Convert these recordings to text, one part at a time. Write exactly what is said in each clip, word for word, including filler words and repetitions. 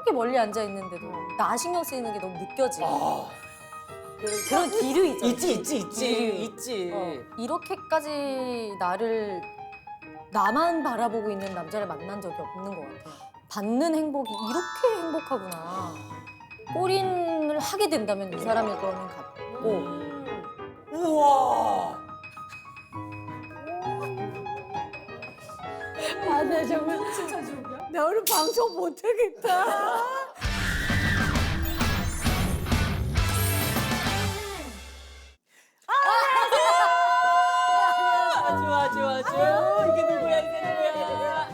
저렇게 멀리 앉아 있는데도 나 신경 쓰이는 게 너무 느껴지. 아, 그런 기류 있잖아. 있지 있지 있지 기류. 있지. 어, 이렇게까지 나를 나만 바라보고 있는 남자를 만난 적이 없는 것 같아. 받는 행복이 이렇게 행복하구나. 꼬린을 하게 된다면 이 사람일 거는 같고. 우와. 아, 나 정말 나 오늘 방송 못하겠다. 아주 아주 아주. 이게 누구야 이게 누구야.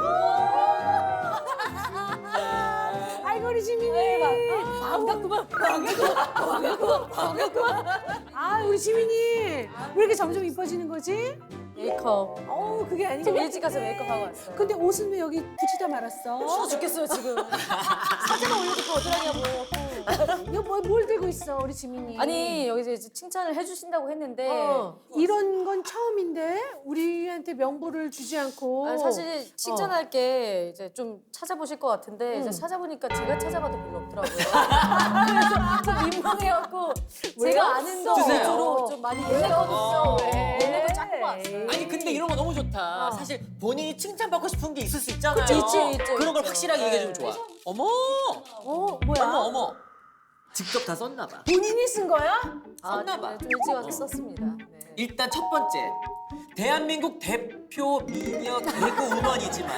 아이고 우리 지민이. 반갑구만. 반갑구만. 반갑구만. 반갑구만. 아 우리 지민이 왜 이렇게 점점 이뻐지는 거지? 메이크업. 어우 그게 아니고. 좀 일찍 가서 메이크업하고 왔어요. 근데 옷은 왜 여기 붙이다 말았어? 추워 죽겠어요 지금. 사진만 올려놓고 어떡하냐고. 이거 뭐, 뭘 들고 있어 우리 지민이? 아니 여기서 이제 칭찬을 해주신다고 했는데 어, 이런 건 처음인데 우리한테 명부를 주지 않고. 아니, 사실 칭찬할 게 이제 좀 찾아보실 것 같은데 음. 이제 찾아보니까 제가 찾아봐도 별로 없더라고요. 그래서 좀 민망해갖고 제가 아는 거 주세요. 위주로 좀 많이 보내거든요. 얘네 거 짝고 왔어요. 아니 근데 이런 거 너무 좋다. 사실 본인이 칭찬받고 싶은 게 있을 수 있잖아요. 그치, 있지, 있지, 그런 걸 있죠. 확실하게 네. 얘기해주면 좋아. 어머, 어 뭐야? 어머, 어머. 직접 다 썼나 봐. 본인이 쓴 거야? 아, 썼나 봐. 네, 좀 일찍 와서 썼습니다. 네. 일단 첫 번째, 대한민국 대표 미녀 개그 우먼이지만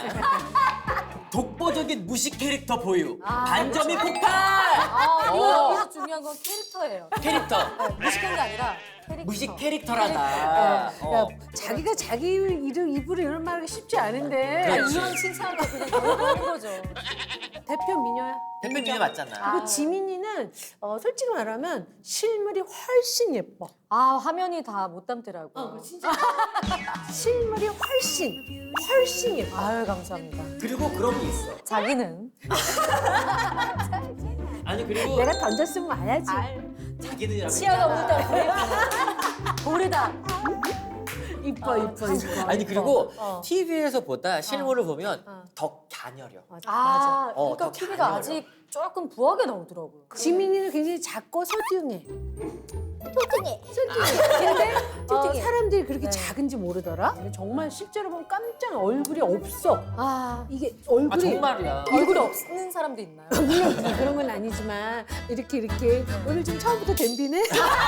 독보적인 무식 캐릭터 보유. 아, 반점이 폭발. 아, 이거 어. 여기서 중요한 건 캐릭터예요. 캐릭터. 네, 무식한 게 아니라 캐릭터. 무식 캐릭터라다. 야, 어. 자기가 자기 이름 입으로 이런 말하기 쉽지 않은데. 아, 그렇지. 이런 칭찬을 그냥 넣어보는 거죠. 대표 미녀야. 대표 미녀 맞잖아. 그리고 지민이는 어, 솔직히 말하면 실물이 훨씬 예뻐. 아 화면이 다 못 담더라고요. 실물이 훨씬 훨씬 예뻐. 아유 감사합니다. 그리고 그런 게 있어. 자기는 아니 그리고 내가 던졌으면 와야지. 자기들이라고 치아가 있잖아. 물다 고래다. 이뻐 이뻐 이뻐. 아니 그리고 어. 티비에서 보다 실물을 보면 어. 더 가녀려. 맞아. 아, 어, 그러니까 더 티비가 가녀려. 아직 조금 부하게 나오더라고요. 지민이는 굉장히 작고 소중해. 소중해. 소중해. 근데 어, 소중해. 사람들이 그렇게 네. 작은지 모르더라. 정말 실제로 보면 깜짝 얼굴이 없어. 아, 이게 아 얼굴이 정말이야. 얼굴이 없는 사람도 있나요? 물론 그런 건 아니지만 이렇게 이렇게 오늘 좀 처음부터 댐비네.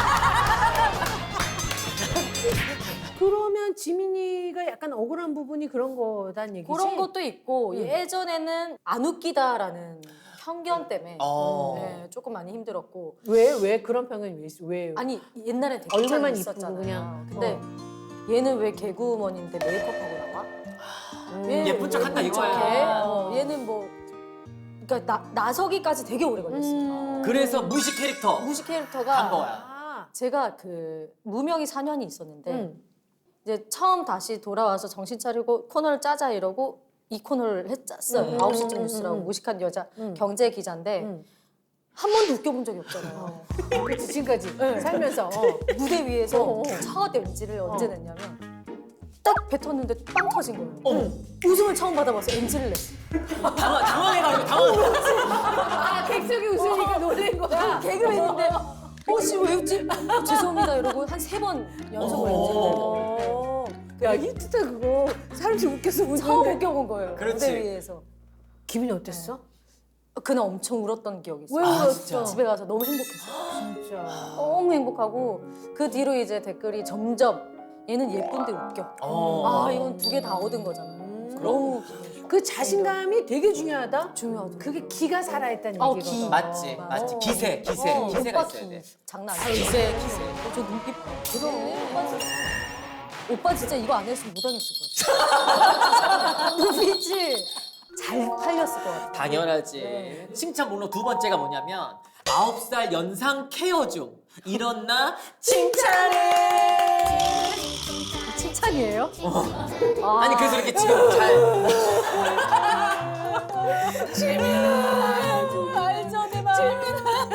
그러면 지민이가 약간 억울한 부분이 그런 거단 얘기지? 그런 것도 있고 음. 예전에는 안 웃기다라는 편견 때문에 어. 네, 조금 많이 힘들었고 왜, 왜 그런 편견이 왜 있어? 왜? 아니 옛날에 되게 얼굴만 많이 이쁘고 있었잖아요. 그냥. 근데 얘는 왜 개그우먼인데 메이크업하고 나와? 음. 왜 예쁜 척 한다 예쁜 이거야. 척해? 어, 얘는 뭐 그러니까 나, 나서기까지 되게 오래 걸렸어요. 음. 그래서 무식 캐릭터 무식 캐릭터가 한 거야. 아. 제가 그 무명이 사 년이 있었는데 음. 이제 처음 다시 돌아와서 정신 차리고 코너를 짜자 이러고 이 코너를 했었어요. 음, 아홉 시쯤 음, 뉴스라고 음. 무식한 여자 음. 경제 기자인데 음. 한 번도 웃겨본 적이 없잖아요. 그치, 지금까지 네. 살면서. 어. 무대 위에서 어, 어. 첫 엔지를 언제 냈냐면 딱 뱉었는데 빵 터진 거예요. 어머. 웃음을 처음 받아봐서 엔지를 냈어. 당황, 당황해가지고 당황. 아, 객석이 웃으니까 놀란 거야. 개그맨인데 혹시 왜 웃지? 죄송합니다 이러고 한 세 번 연속으로 엔지를 냈어요. 어. 야, 히트다 그거. 사람들이 웃겨서 웃는 처음 데 웃겨본 거예요. 그렇지. 무대 위에서. 기분이 어땠어? 그날 엄청 울었던 기억이 있어요. 왜 아, 울었어? 진짜? 집에 가서 너무 행복했어요. 진짜. 너무 행복하고 그 뒤로 이제 댓글이 점점 얘는 예쁜데 웃겨. 어. 아 이건 두 개 다 얻은 거잖아. 음. 너무 기분이 좋아. 그 자신감이 되게 중요하다. 중요하죠. 그게 기가 살아있다는 어, 얘기거든. 기. 맞지, 어, 맞지. 어. 기세, 기세, 어, 기세가 오빠 있어야 기. 돼. 장난 아니야. 기세, 기세. 어, 저 눈빛 봐. 그럼 오빠 진짜, 오빠 진짜 이거 안 했으면 못 하겠을 것 같아. 눈빛이 잘 팔렸을 것 같아. 당연하지. 네. 칭찬 목록 두 번째가 뭐냐면 아홉 살 연상 케어 중 이런 나 칭찬해. 칭찬이에요? 어. 아니 그래서 이렇게 지금 잘 지민아, 말 전해봐. 지민아,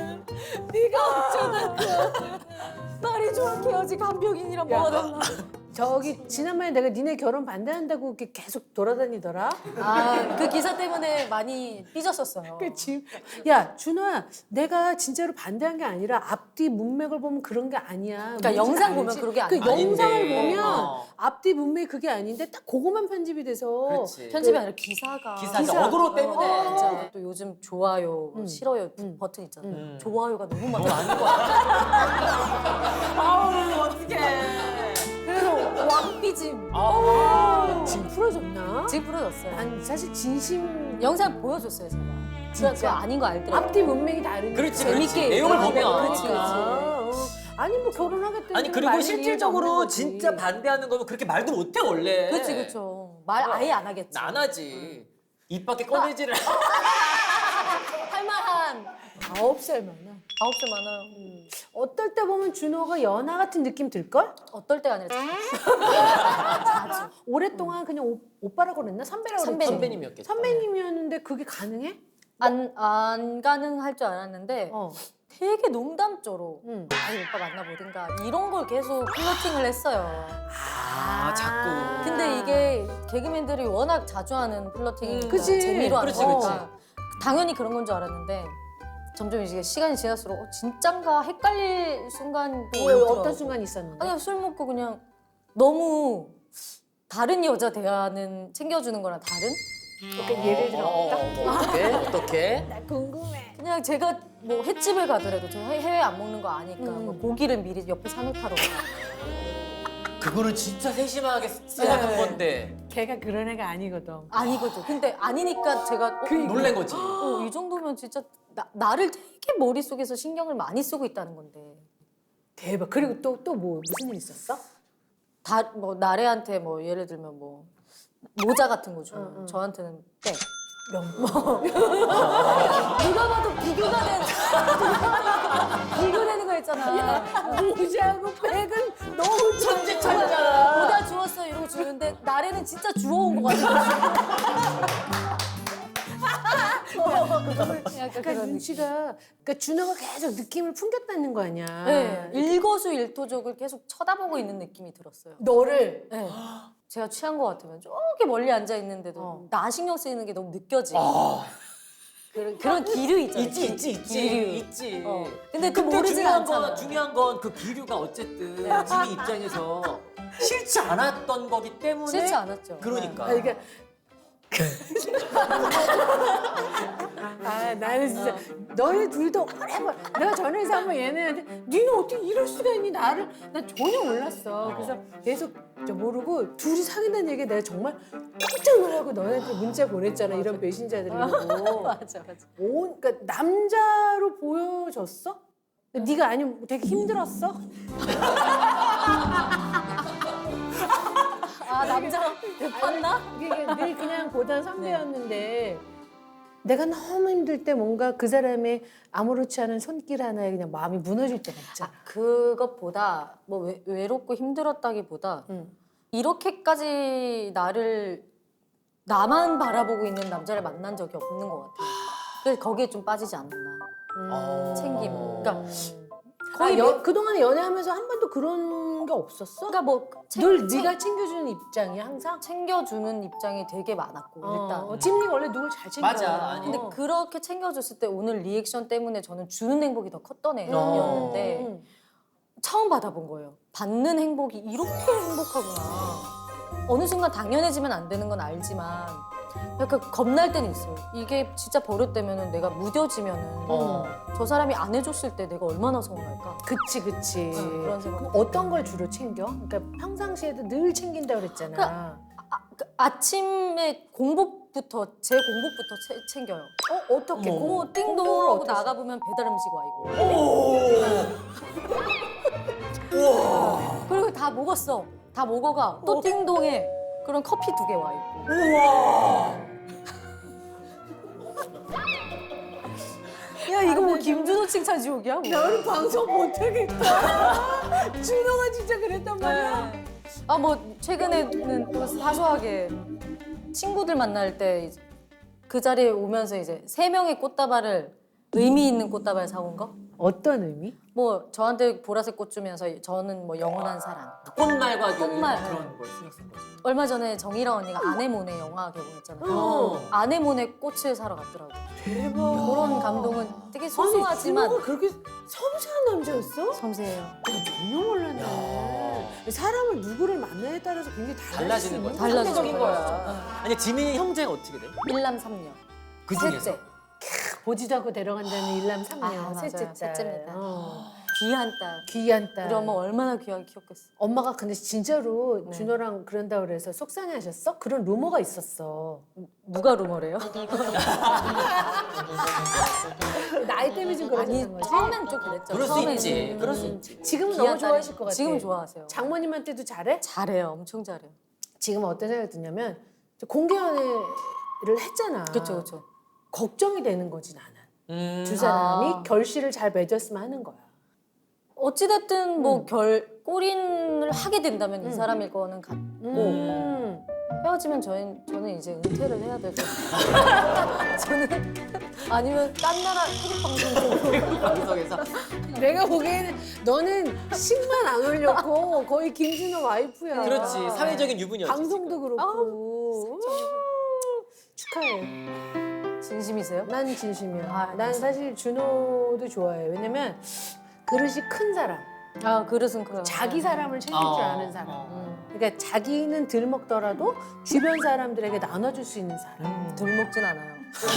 네가 어쩌다 말이 좋게 해야지 간병인이랑 뭐가 달라. 저기 지난번에 내가 니네 결혼 반대한다고 이렇게 계속 돌아다니더라. 아, 그 기사 때문에 많이 삐졌었어요. 그치? 야 준호야, 내가 진짜로 반대한 게 아니라 앞뒤 문맥을 보면 그런 게 아니야. 그러니까 뭔지 영상 알지? 보면 그런 게 그 아닌데. 영상을 보면 어. 앞뒤 문맥이 그게 아닌데 딱 그거만 편집이 돼서. 그렇지. 편집이 아니라 기사가. 기사 기사. 어그로 때문에. 어, 진짜 또 요즘 좋아요, 뭐 음. 싫어요 음. 버튼 있잖아요. 음. 좋아요가 너무 너무 많아. 아닌 거 같아. 아우 어떡해. 그래서 왕삐짐. 아우. 지금 풀어졌나? 지금 풀어졌어요. 난 사실 진심 영상 보여줬어요, 제가. 진짜 그거 아닌 거 알더라고요. 앞뒤 문맥이 다르니까. 그렇지, 재밌게 그렇지. 내용을 얘기하는 보면. 거. 그렇지, 아, 어. 아니 뭐 결혼하겠다는 아니 그리고 말이 실질적으로 이해가 없는 진짜 거지. 반대하는 거면 그렇게 말도 못해 원래. 그렇지, 그렇죠. 말 아예 안 하겠지. 안 하지. 입 밖에 꺼내지를. 할 만한 아홉 살 많아. 아홉 살 많아요. 어떨 때 보면 준호가 연하 같은 느낌 들걸? 어떨 때가 아니라 자주. 오랫동안 그냥 오, 오빠라고 그랬나? 선배라고 그랬지? 선배님. 선배님이었겠다. 선배님이었는데 그게 가능해? 안, 안 가능할 줄 알았는데 어. 되게 농담조로 응. 아이 오빠 만나보든가 이런 걸 계속 플러팅을 했어요. 아 자꾸. 근데 이게 개그맨들이 워낙 자주 하는 플러팅이니까 그치. 재미로 하는 그렇지, 거니까 당연히 그런 건 줄 알았는데 점점 이제 시간이 지날수록 어, 진짠가 헷갈릴 순간도 왜 있더라고. 어떤 순간 있었는데? 아니 술 먹고 그냥 너무 다른 여자 대하는 챙겨주는 거랑 다른? 그러니까 예를 들어 어, 어, 뭐 어떻게 어떻게? 나 궁금해. 그냥 제가 뭐 횟집을 가더라도 제가 해- 해외 안 먹는 거 아니까 음. 뭐 고기를 미리 옆에 사놓다로 그거는 진짜 세심하게 생각한 네. 건데 걔가 그런 애가 아니거든. 아니거든. 근데 아니니까 제가 어, 놀란 거지. 어, 이 정도면 진짜 나, 나를 되게 머릿속에서 신경을 많이 쓰고 있다는 건데 대박. 그리고 또 또 뭐 무슨 일 있었어? 다 뭐 나래한테 뭐 예를 들면 뭐 모자 같은 거 주면 응, 응. 저한테는 백. 명. 누가 봐도 비교가 되는 비교되는 거 있잖아. 모자하고 백은 너무 천재 천재잖아. 모자 주웠어 이러고 주는데 나래는 진짜 주워온 거 같아. 약간 그러니까 그런 느낌. 눈치가 그러니까 준호가 계속 느낌을 풍겼다는 거 아니야. 네, 일거수일투족을 계속 쳐다보고 있는 느낌이 들었어요. 너를 네. 제가 취한 것 같으면 저기 멀리 앉아 있는데도 어. 나 신경 쓰이는 게 너무 느껴지고 아, 그런, 그런 기류 있잖아요. 있지 기- 있지 있지 기류. 있지. 어. 근데 그 근데 모르진 중요한 않잖아요. 건 중요한 건 그 기류가 어쨌든 지금 입장에서 싫지 않았던 거기 때문에 싫지 않았죠. 그러니까. 아, 그러니까 아 나는 진짜 너네 둘도 오래걸 내가 전화해서 한번 얘네한테 니는 어떻게 이럴 수가 있니 나를 난 전혀 몰랐어. 그래서 계속 저 모르고 둘이 사귄다는 얘기 내가 정말 깜짝 놀라고 너네한테 문자 보냈잖아. 이런 배신자들이라고. 맞아, 맞아. 온 그러니까 남자로 보여졌어? 네가 아니면 되게 힘들었어? 아 남자랑 대팠나? 이게 늘 그냥 보던 선배였는데 내가 너무 힘들 때 뭔가 그 사람의 아무렇지 않은 손길 하나에 그냥 마음이 무너질 때가 있잖아. 아, 그것보다 뭐 외, 외롭고 힘들었다기보다 응. 이렇게까지 나를 나만 바라보고 있는 남자를 만난 적이 없는 것 같아요. 그래서 거기에 좀 빠지지 않았나. 어. 챙김. 그러니까 거의 거의 여, 그동안 연애하면서 한 번도 그런 게 없었어? 그러니까 뭐 챙- 늘 챙- 네가 챙겨주는 입장이야 항상? 챙겨주는 입장이 되게 많았고 일단. 어, 찜리가 원래 누굴 잘 챙겨. 맞아. 아니, 근데 어. 그렇게 챙겨줬을 때 오늘 리액션 때문에 저는 주는 행복이 더 컸던 음. 애였는데 음. 처음 받아본 거예요. 받는 행복이 이렇게 행복하구나. 어느 순간 당연해지면 안 되는 건 알지만 약간 겁날 때는 있어요. 이게 진짜 버릇되면 내가 무뎌지면 어. 저 사람이 안 해줬을 때 내가 얼마나 서운할까. 그치 그치. 응, 그런 생각. 그럼 어떤 걸 주로 챙겨? 그러니까 평상시에도 늘 챙긴다 그랬잖아. 아, 그 아침에 공복부터 제 공복부터 채- 챙겨요. 어 어떻게? 어머. 고 띵동 공복을 하고 어떻게 나가 보면 배달 음식 와 있고. 우와. 그리고 다 먹었어. 다 먹어가 또 띵동에 그런 커피 두 개 와 있고. 우와. 야 이거 뭐 김준호 칭찬 지옥이야? 뭐. 나는 방송 못하겠다. 준호가 진짜 그랬단 말이야. 아 뭐 최근에는 또 사소하게 친구들 만날 때 그 자리에 오면서 이제 세 명의 꽃다발을 의미 있는 꽃다발 사온 거? 어떤 의미? 뭐 저한테 보라색 꽃 주면서 저는 뭐 영원한 사랑. 꽃말과 꽃말. 그런 걸 신경 쓴 거죠. 얼마 전에 정희랑 언니가 아네모네 영화 개봉했잖아요. 어. 아네모네 꽃을 사러 갔더라고. 대박. 그런 감동은 되게 아니, 소소하지만 준호가 그렇게 섬세한 남자였어? 섬세해요. 나 전혀 몰랐네. 사람을 누구를 만나에 따라서 굉장히 달라질 수 달라지는 있는 거야. 달라지는 상대적인 거야. 거야. 아니 지민이 형제가 어떻게 돼? 일남삼녀. 그 중에서 셋째. 보지도 않고 데려간다는 일남삼녀 아, 맞아요. 셋째 딸. 셋째입니다. 어. 귀한 딸. 귀한 딸. 우리 엄마 얼마나 귀하게 키웠겠어. 엄마가 근데 진짜로 네. 준호랑 그런다 그래서 속상해하셨어? 그런 루머가 있었어. 누가 루머래요? 나이 때문에 좀 아니 그러셨던 거지? 처음엔 좀 그랬죠. 그럴 수 처음에는. 있지. 음, 그럴 수 있지. 지금은 귀한 너무 좋아하실 딸이- 것 같아. 지금 좋아하세요. 장모님한테도 잘해? 잘해요. 엄청 잘해요. 지금 어떤 생각이 드냐면 공개 연애를 했잖아. 그렇죠, 그렇죠. 걱정이 되는 거지 나는. 음. 두 사람이 아. 결실을 잘 맺었으면 하는 거야. 어찌됐든 뭐 음. 결 꼬린을 하게 된다면 이 음. 사람일 거는 같고 음. 헤어지면 저는 저는 이제 은퇴를 해야 되고 저는 아니면 딴 나라 태국 방송 쪽으로 방송에서 내가 보기에는 너는 식만 안 올렸고 거의 김준호 와이프야. 그렇지 사회적인 유부녀지. 방송도 그렇고. 축하해. 진심이세요? 난 진심이야. 아, 난 사실 준호도 좋아해. 왜냐면 그릇이 큰 사람, 아 그릇은 그래요. 자기 사람을 챙길 어, 줄 아는 사람. 어. 음, 그러니까 자기는 덜 먹더라도 주변 사람들에게 나눠줄 수 있는 사람. 음. 덜 먹진 않아요.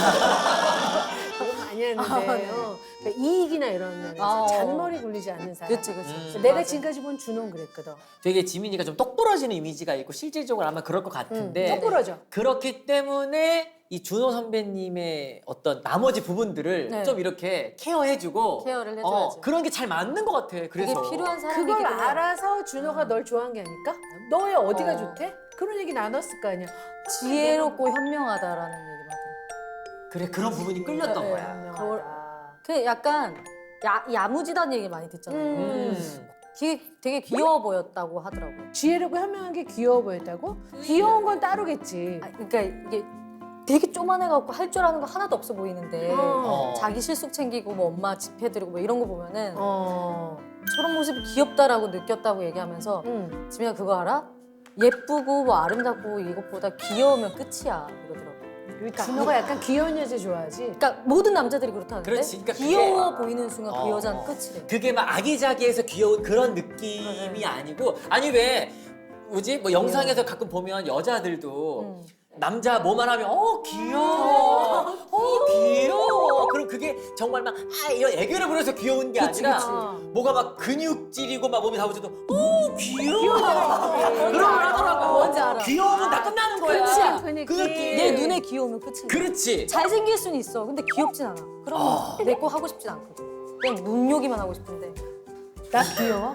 그건 많이 했는데 아, 네. 어, 그러니까 이익이나 이런 면에서 아, 어. 잔머리 굴리지 않는 사람. 그치 그치. 음. 그래서 내가 맞아요. 지금까지 본 준호는 그랬거든. 되게 지민이가 좀 똑부러지는 이미지가 있고 실질적으로 아마 그럴 것 같은데 응, 똑부러져. 그렇기 때문에 이 준호 선배님의 어떤 나머지 부분들을 네. 좀 이렇게 케어해주고 케어를 해줘야죠. 어, 그런 게 잘 맞는 것 같아. 그래서 그게 필요한 사람이기 그걸 때문에 알아서 준호가 널 좋아한 게 아닐까? 너의 어디가 어. 좋대? 그런 얘기 나눴을 거 아니야. 지혜롭고 현명하다라는 얘기를 하더라고요. 그래 그런 부분이 끌렸던 네. 거야. 현명하다. 그 약간 야, 야무지다는 얘기 많이 듣잖아요. 음. 음. 되게, 되게 귀여워 보였다고 하더라고요. 지혜롭고 현명한 게 귀여워 보였다고? 귀여운 건 따로겠지. 아, 그러니까 이게 되게 쪼만해갖고 할 줄 아는 거 하나도 없어 보이는데 어. 자기 실속 챙기고 뭐 엄마 집해드리고 뭐 이런 거 보면은 어. 저런 모습이 귀엽다라고 느꼈다고 얘기하면서 응. 지민아 그거 알아? 예쁘고 뭐 아름답고 이것보다 귀여우면 끝이야 이러더라고. 그러니까 준호가 약간 귀여운 여자 좋아하지. 그러니까 모든 남자들이 그렇다는데 그렇지. 그러니까 귀여워 그게- 보이는 순간 어. 그 여자는 끝이래. 그게 막 아기자기해서 귀여운 그런 느낌이 네. 아니고 아니 왜 뭐지 뭐 영상에서 가끔 보면 여자들도 음. 남자 뭐만 하면 어 귀여워 어 귀여워 그럼 그게 정말 막 아 이런 애교를 부려서 귀여운 게 그치, 아니라 그치. 뭐가 막 근육질이고 막 몸이 다 붙어도 어 귀여워 그런 걸 하더라고 뭔지 알아. 귀여우면 다 끝나는 거야 그치, 그 느낌. 그 느낌 내 눈에 귀여우면 끝이야. 그렇지 잘생길 수는 있어. 근데 귀엽진 않아. 그럼 아. 내 거 하고 싶진 않거든. 그냥 눈요기만 하고 싶은데. 나 귀여워?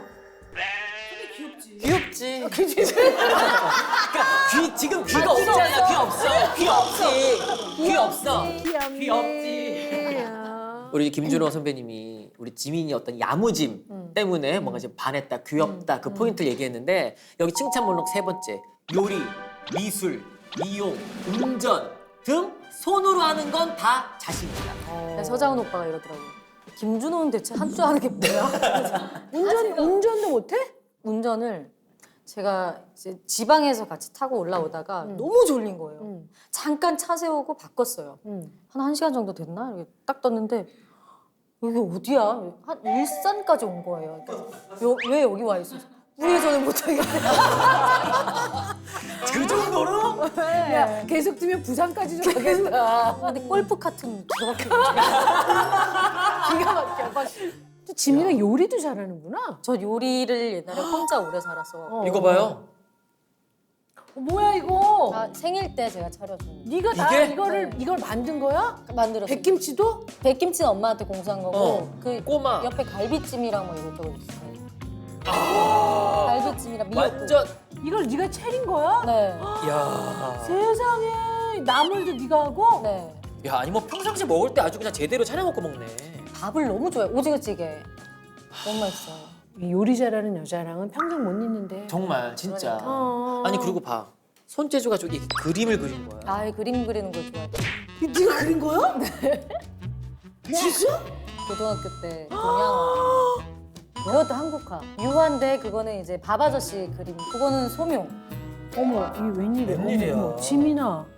귀엽지 그러니까 귀 지금 귀가 없잖아 귀 없어 귀 없지 귀 없어 귀엽네. 귀엽지. 우리 김준호 선배님이 우리 지민이 어떤 야무짐 음. 때문에 뭔가 지금 반했다, 귀엽다 그 포인트를 얘기했는데 여기 칭찬 목록 세 번째 요리, 미술, 미용, 운전 등 손으로 하는 건 다 자신이다. 서장훈 오빠가 이러더라고. 김준호는 대체 한 줄 아는 게 뭐야? 운전 운전도 못해? 운전을 제가 이제 지방에서 같이 타고 올라오다가 음. 너무 졸린 거예요. 응. 잠깐 차 세우고 바꿨어요. 응. 한 1시간 정도 됐나? 이렇게 딱 떴는데 여기 어디야? 한 일산까지 온 거예요. 그래서 요- 왜 여기 와 있어? 우회전을 못하겠대. 그 정도로? 야 계속 두면 부산까지도 가겠다. 근데 골프 카트는 기가 막히게. 기가 막혀. 또 지민이가 요리도 잘하는구나. 저 요리를 옛날에 혼자 오래 살아서 어. 이거 봐요. 어, 뭐야 이거? 다 생일 때 제가 차려준 네가 다 이게? 이거를 네. 이걸 만든 거야? 만들었어요. 백김치도? 백김치는 엄마한테 공수한 거고 어. 그 꼬마. 옆에 갈비찜이랑 뭐 이것저것 있어요. 아, 갈비찜이랑 미역국. 완전. 이걸 네가 차린 거야? 네. 야. 세상에 나물도 네가 하고? 네. 야 아니 뭐 평상시 먹을 때 아주 그냥 제대로 차려 먹고 먹네. 밥을 너무 좋아해. 오징어찌개. 너무 맛있어요. 이 요리 잘하는 여자랑은 평생 못 있는데. 정말 진짜. 그러니까. 어. 아니 그리고 봐. 손재주가 저기 그림을 그린 거야. 아예 그림 그리는 걸 좋아해. 네가 그린 거야? 네. 진짜? 고등학교 때 동양화. 그것도 한국화. 유화인데 그거는 이제 밥 아저씨 그림. 그거는 소묘. 어머, 이게 웬일이야? 웬일이야? 어머, 어머, 지민아.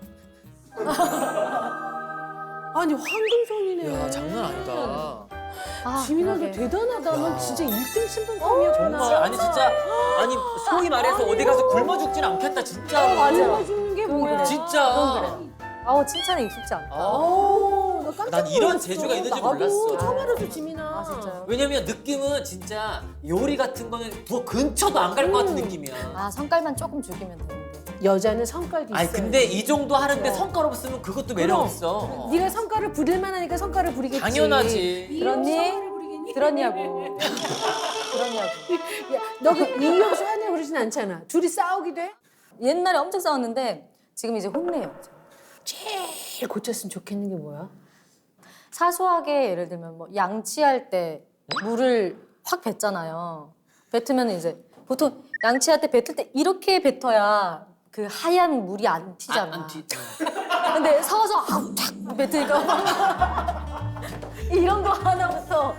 아니 황금손이네. 야 장난 아니다. 아, 지민아 너 그러게. 대단하다. 넌 진짜 일 등 신분감이었구나. 정말 아니 진짜 아니 소위 말해서 어디 가서 굶어 죽진 않겠다 진짜. 맞아. 주는 게 그건 뭐야? 그래. 진짜. 그건 그래. 아우 칭찬에 익숙지 않다. 어. 어, 나 깜짝 난 이런 놀랐어. 재주가 있는지 나도 몰랐어. 처음 알았어, 지민아. 아 진짜요? 왜냐면 느낌은 진짜 요리 같은 거는 더 근처도 안 갈 것 같은 느낌이야. 아 성깔만 조금 죽이면 되는데. 여자는 성깔도 있어. 아니 근데 이 정도 하는데 성깔 없으면 그것도 매력 그럼. 없어. 네가 성깔을 부릴 만하니까 성깔을 부리겠지. 당연하지. 들었니? 성깔을 부리겠니? 들었냐고. 들었냐고. 야, 너그 이명수 하냐 그러진 않잖아. 둘이 싸우기도 해? 옛날에 엄청 싸웠는데 지금 이제 혼내요. 제일 고쳤으면 좋겠는 게 뭐야? 사소하게 예를 들면 뭐 양치할 때 물을 확 뱉잖아요. 뱉으면 이제 보통 양치할 때 뱉을 때 이렇게 뱉어야 그 하얀 물이 안 튀잖아. 안 튀. 근데 서서 아우 탁 뱉으니까 이런 거 하나부터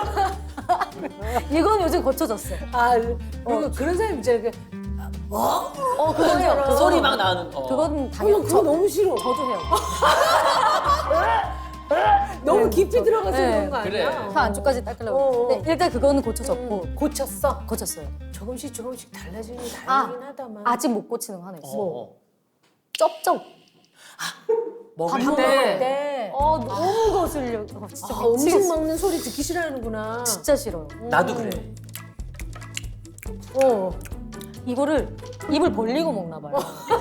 이건 요즘 고쳐졌어. 아, 그리고 그런 사람 있잖아. 그, 어 그거 해요. 그 소리 막 나는. 어. 그건 어머, 당연히 그거 너무 싫어. 저도 해요. 너무 깊이 들어가서 네. 그런 거 아니야? 그래. 혀 안쪽까지 닦으려고. 어, 어. 근데 일단 그거는 고쳐졌고 음, 고쳤어? 고쳤어요. 조금씩 조금씩 달라지는 게 아, 다행이긴 하다만. 아직 못 고치는 거 하나 있어. 어, 어. 쩝쩝. 먹을 밥 먹을 때. 네. 어 너무 거슬려. 어, 진짜 아, 음식 미치겠어. 먹는 소리 듣기 싫어하는구나. 진짜 싫어요. 나도 그래. 어. 이거를 입을 벌리고 먹나 봐요.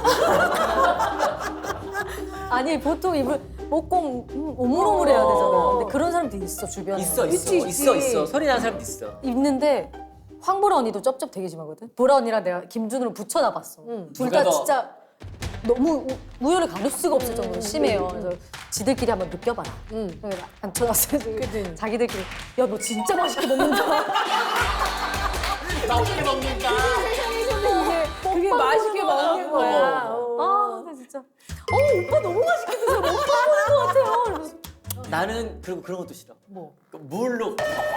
아니 보통 입을 먹고 음, 오물오물 해야 되잖아. 근데 그런 사람도 있어 주변에. 있어 있어 있지, 있지. 있어 있어 소리 나는 사람도 있어. 있는데 황보라 언니도 쩝쩝 되게 심하거든. 보라 언니랑 내가 김준우를 붙여놔봤어. 응. 둘 누가 다 더? 진짜 너무 우- 우열을 가릴 수가 없을 정도로 심해요. 그래서 지들끼리 한번 느껴봐라. 응. 그래서 앉혀놨어요. 그치. 자기들끼리 야 너 진짜 맛있게 먹는다. 맛있게 먹는다. 이게 그게 맛있게 먹는 거야. 어. 아, 나 진짜. 어, 오빠 너무 맛있게 드세요. 오빠 먹는 것 같아요. 이러면서. 나는 그리고 그런 것도 싫어. 뭐? 그 물로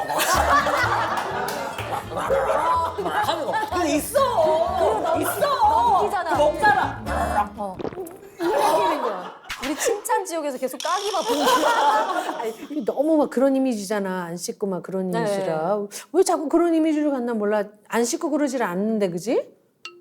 하는 거. 근데 있어. 있어. 웃기잖아. 먹잖아. 어. 하는 거야. 우리 칭찬 지옥에서 계속 까기 바쁜 거야. 아니, 너무 막 그런 이미지잖아. 안 씻고 막 그런 네. 이미지라. 왜 자꾸 그런 이미지로 갔나 몰라. 안 씻고 그러질 않는데, 그지?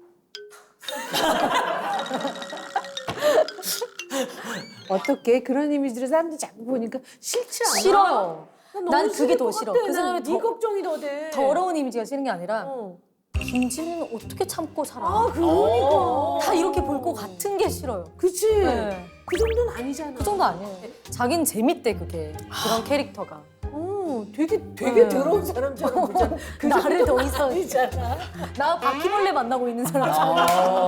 어떻게 그런 이미지를 사람들이 자꾸 보니까 싫지 않아? 싫어요. 너무 난 그게 싫을 더 것 싫어. 같아. 그 사람이 난 네 더- 걱정이 더 돼. 더러운 이미지가 싫은 게 아니라 어. 김지민은 어떻게 참고 살아? 아, 그러니까. 다 이렇게 볼 것 같은 게 싫어요. 그치? 네. 그 정도는 아니잖아. 그 정도 아니에요. 자기는 재밌대 그게 그런 캐릭터가. 어, 되게 되게 네. 더러운 사람처럼 보잖아. 그 나를 더 정도는 이상 아니잖아. 나 바퀴벌레 만나고 있는 사람처럼 아.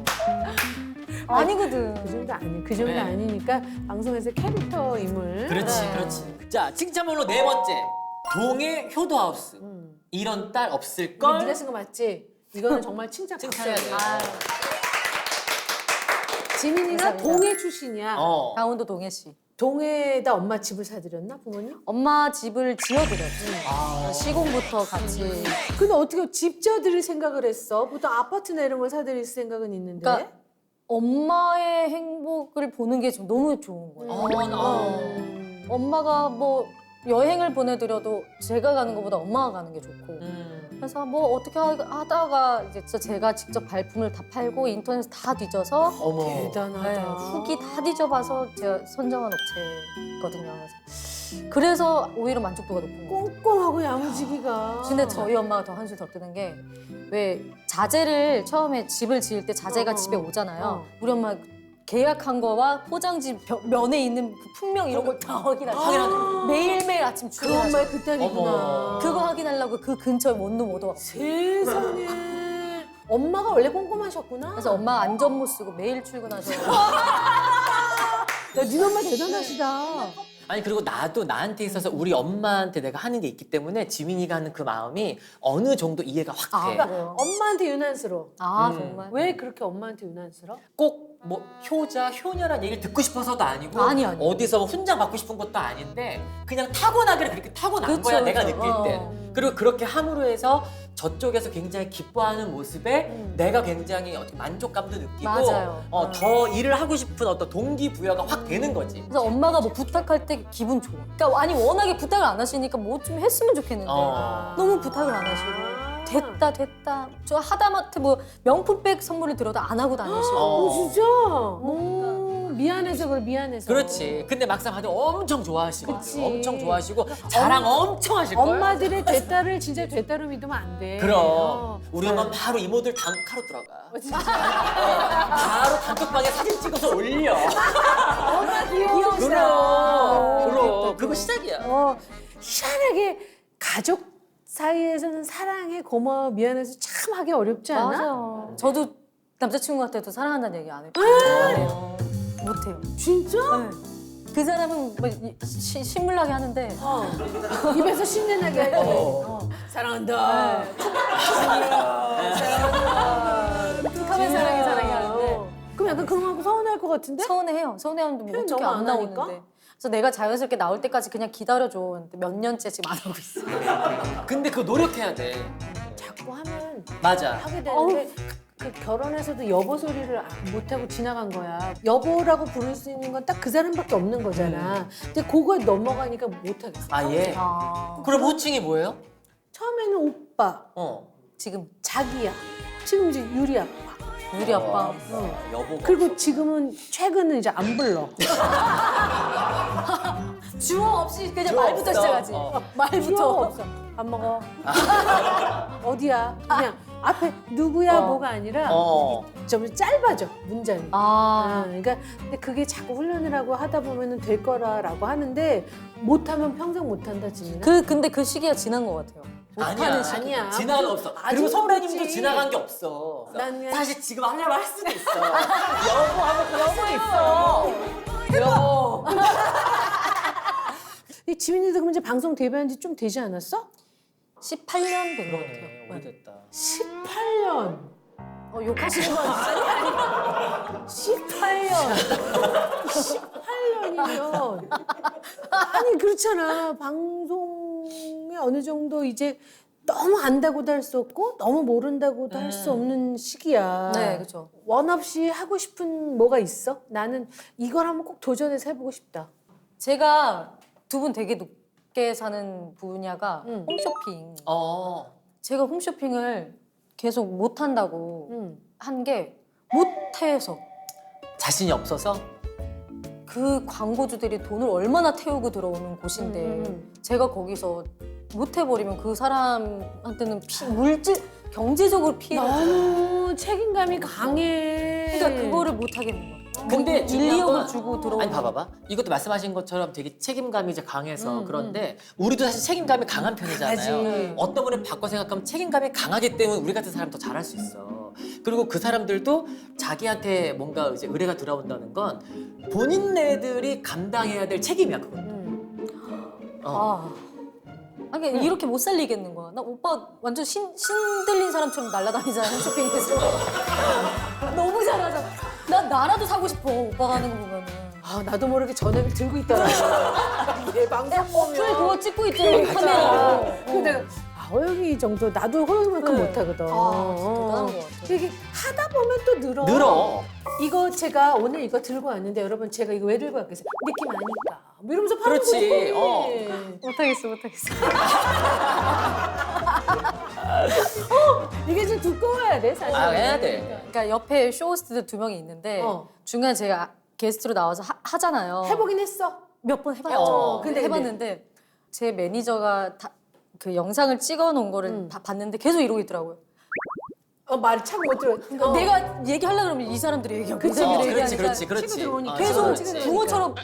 아니거든. 그 정도 아니. 그 정도 네. 아니니까 방송에서 캐릭터 인물. 그렇지 네. 그렇지. 자 칭찬번호 네 번째. 동해 효도하우스. 음. 이런 딸 없을 이거 걸. 네가 쓴 거 맞지? 이거는 정말 칭찬 칭찬해야 박수야. 돼. 아, 지민이가 감사합니다. 동해 출신이야. 어. 강원도 동해 씨. 동해에다 엄마 집을 사드렸나 부모님? 엄마 집을 지어드렸지. 아. 시공부터 같이. 근데 어떻게 집 지어드릴 생각을 했어? 보통 아파트나 이런 걸 사드릴 생각은 있는데. 그러니까 엄마의 행복을 보는 게 좀 너무 좋은 거예요. 어, 나. 음. 엄마가 뭐 여행을 보내드려도 제가 가는 것보다 엄마가 가는 게 좋고. 음. 그래서 뭐 어떻게 하- 하다가 이제 진짜 제가 직접 발품을 다 팔고 인터넷 다 뒤져서 어머. 대단하다. 네, 후기 다 뒤져봐서 제가 선정한 업체거든요. 그래서, 그래서 오히려 만족도가 높은 거예요. 꼼꼼하고 야무지기가. 근데 저희 엄마가 더 한술 더 뜨는 게 왜 자재를 처음에 집을 지을 때 자재가 어, 어, 집에 오잖아요. 어. 우리 엄마 계약한 거와 포장지 벼- 면에 있는 그 품명 이런 걸 다 확인하고 확인하고. 매일매일 아침 그 출근하셔. 엄마의 그 딸이구나. 어머. 그거 확인하려고 그 근처에 원룸 오도 세상에. 엄마가 원래 꼼꼼하셨구나. 그래서 엄마 안전 못 쓰고 매일 출근하셔. 야, 네 엄마 대단하시다. 아니 그리고 나도 나한테 있어서 우리 엄마한테 내가 하는 게 있기 때문에 지민이가 하는 그 마음이 어느 정도 이해가 확 아, 돼. 그래요? 엄마한테 유난스러워. 아 음. 정말. 왜 그렇게 엄마한테 유난스러워? 꼭 뭐 효자, 효녀란 얘기를 듣고 싶어서도 아니고 아니, 아니. 어디서 뭐 훈장 받고 싶은 것도 아닌데 그냥 타고나기를 그렇게 타고난 그쵸, 거야 내가 그쵸. 느낄 때. 어. 그리고 그렇게 함으로 해서 저쪽에서 굉장히 기뻐하는 모습에 음. 내가 굉장히 어떻게 만족감도 느끼고 맞아요. 어, 어. 더 일을 하고 싶은 어떤 동기부여가 확 되는 거지. 그래서 엄마가 뭐 부탁할 때 기분 좋아. 그러니까 아니 워낙에 부탁을 안 하시니까 뭐 좀 했으면 좋겠는데 어. 너무 부탁을 안 하시고 됐다 됐다. 저 하다못해 뭐 명품백 선물을 들어도 안 하고 다니시고. 어. 어, 진짜? 오, 미안해서 그래, 미안해서. 그렇지. 근데 막상 받으면 엄청 좋아하시고 그치. 엄청 좋아하시고 자랑 엄청 하실 거야. 엄마들의 되딸을 진짜 되딸로 믿으면 안 돼. 그럼 어. 우리 엄마는 바로 이모들 단카로 들어가. 어, 진짜. 바로 단톡방에 사진 찍어서 올려. 엄마 귀여워. 그럼 그럼 그거 시작이야. 어, 희한하게 가족 사이에서는 사랑해, 고마워, 미안해서 참 하기 어렵지 않아? 맞아. 저도 남자친구한테도 사랑한다는 얘기 안 해요. 안 해요. 못해요. 진짜? 네. 그 사람은 뭐 이- 시, 신물나게 하는데 어. 입에서 신내나게 하지. 어. 어. 사랑한다. 네. 사랑한다. 툭하면 사랑해 사랑해 하는데 그럼 약간 그런 거 하고 서운할 것 같은데? 서운해해요. 서운해하는데 뭐 표현 어떻게 너무 안 안 나오는데. 하니까? 그래서 내가 자연스럽게 나올 때까지 그냥 기다려줘. 근데 몇 년째 지금 안 하고 있어. 근데 그거 노력해야 돼. 자꾸 하면 맞아. 하게 되는데 그 결혼해서도 여보 소리를 못하고 지나간 거야. 여보라고 부를 수 있는 건 딱 그 사람밖에 없는 거잖아. 근데 그거 넘어가니까 못하겠어. 아 예. 아, 그럼 호칭이 뭐예요? 처음에는 오빠, 어. 지금 자기야. 지금 이제 유리 아빠. 유리 아빠. 어, 여보가. 그리고 지금은 최근은 이제 안 불러. 주어 없이 그냥 주어 말부터 없어. 시작하지. 어. 주어가 말부터. 없어. 안 먹어. 어디야? 그냥 앞에 누구야 어. 뭐가 아니라 어. 좀 짧아져 문장이. 아, 아, 그러니까 근데 그게 자꾸 훈련을 하고 하다 보면은 될 거라라고 하는데 못하면 평생 못한다 지민아. 그 근데 그 시기가 지난 것 같아요. 아니야. 못하는 시기. 아니야. 지나간 거 없어. 아직 그리고 선배님도 모르지. 지나간 게 없어. 난 그냥- 사실 지금 하려면 할 수도 있어. 여보 하면 그럴 수도 있어. 여보. 이 지민이도 그럼 이제 방송 데뷔한 지 좀 되지 않았어? 십팔 년 된 것 그러네. 같아요. 네. 오래됐다. 십팔 년. 어, 욕하시는 거 아니에요? 십팔 년. 십팔 년이면 아니 그렇잖아. 방송에 어느 정도 이제 너무 안다고도 할 수 없고 너무 모른다고도 할 수 없는 시기야. 네, 그렇죠. 원 없이 하고 싶은 뭐가 있어? 나는 이걸 한번 꼭 도전해서 해보고 싶다. 제가 두 분 되게 높게 사는 분야가 응. 홈쇼핑. 어. 제가 홈쇼핑을 계속 못 한다고 응. 한 게 못해서 자신이 없어서? 그 광고주들이 돈을 얼마나 태우고 들어오는 곳인데 음, 음. 제가 거기서 못 해버리면 그 사람한테는 피, 물질 경제적으로 피해가 들어요. 너무 책임감이 강해. 그러니까 그거를 못 하겠는 거예요. 근데 뭐 중요한 일, 이억을 건- 주고 들어오는 아니 봐봐봐. 이것도 말씀하신 것처럼 되게 책임감이 이제 강해서 음, 그런데 우리도 사실 책임감이 강한 편이잖아요. 강하지. 어떤 분은 바꿔 생각하면 책임감이 강하기 때문에 우리 같은 사람 더 잘할 수 있어. 그리고 그 사람들도 자기한테 뭔가 이제 의뢰가 들어온다는 건 본인네들이 감당해야 될 책임이야 그건. 음. 어. 아. 아니 그러니까 이렇게 못 살리겠는 거야. 나 오빠 완전 신, 신들린 사람처럼 날아다니잖아 홈쇼핑에서. 너무 잘하잖아. 나 나라도 사고 싶어 오빠가 하는 거 보면은. 아 나도 모르게 전화기를 들고 있더라고. 얘 방송 보면. 그래 그거 찍고 있잖아 카메라로. 근데 내가 아, 호영이 정도 나도 호영이만큼 네. 못하거든. 아, 진짜 대단한 것 같아. 이게 하다 보면 또 늘어. 늘어. 이거 제가 오늘 이거 들고 왔는데 여러분 제가 이거 왜 들고 왔겠어요? 느낌 아니까. 뭐 이러면서 파는 그렇지. 거지. 어. 못하겠어 못하겠어. 이게 좀 두꺼워야 돼 사실. 아 해야 돼. 그러니까 옆에 쇼호스트들 두 명이 있는데 어. 중간에 제가 게스트로 나와서 하, 하잖아요. 해보긴 했어. 몇 번 해봤죠. 어. 근데 해봤는데 제 매니저가 다, 그 영상을 찍어놓은 거를 음. 다 봤는데 계속 이러고 있더라고요. 어 말 참 못 들어. 어. 내가 얘기하려고 그러면 이 사람들이 얘기하고 그치, 이 어, 사람들이 그렇지 얘기하니까 그렇지 그렇지. 치고 들어오니까. 어, 계속 그렇지. 치고 붕어처럼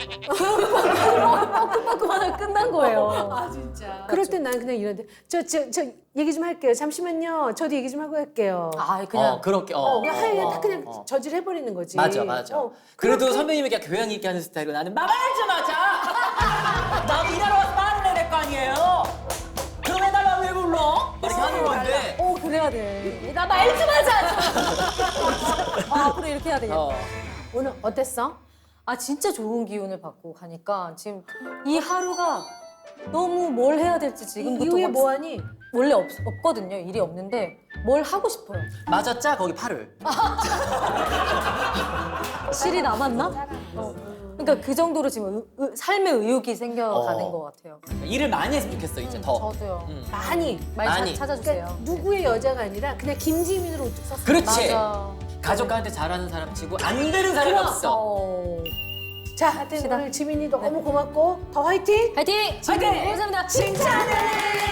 빠끔빠끔 하다 끝난 거예요. 아 진짜. 그럴 땐 난 그냥 이런데 저 저 저 얘기 좀 할게요. 잠시만요. 저도 얘기 좀 하고 갈게요. 아 그냥 어 그렇게. 어. 어, 그냥 하얘 어, 딱 그냥 어. 저질 해버리는 거지. 맞아 맞아. 어, 그래도 선배님이 그냥 교양 있게 하는 스타일로 나는 말을 좀 하자. 나도 일하러 와서 말을 해야 될 거 아니에요. 그럼 해달라고 왜 불러? 이렇게 하는 건데. 어 그래요? 해야 돼. 나 말 좀 하자. 아, 앞으로 이렇게 해야 되겠다. 어. 오늘 어땠어? 아, 진짜 좋은 기운을 받고 가니까 지금 이 하루가 너무 뭘 해야 될지 이 지금부터 이후에 막 뭐하니? 원래 없, 없거든요. 일이 없는데 뭘 하고 싶어요. 맞았자 거기 팔을. 실이 남았나? 어. 그러니까 그 정도로 지금 의- 의- 삶의 의욕이 생겨가는 어. 것 같아요. 일을 많이 했으면 좋겠어 이제 더. 저도요. 음. 많이. 말 많이. 차, 찾아주세요. 그러니까 누구의 여자가 아니라 그냥 김지민으로 우뚝 섰어. 그렇지. 맞아. 가족한테 잘하는 사람 치고 안 되는 사람이 없어. 어. 자, 하여튼 시다. 오늘 지민이 너무 고맙고 더 화이팅! 화이팅! 화이팅! 감사합니다. 칭찬해!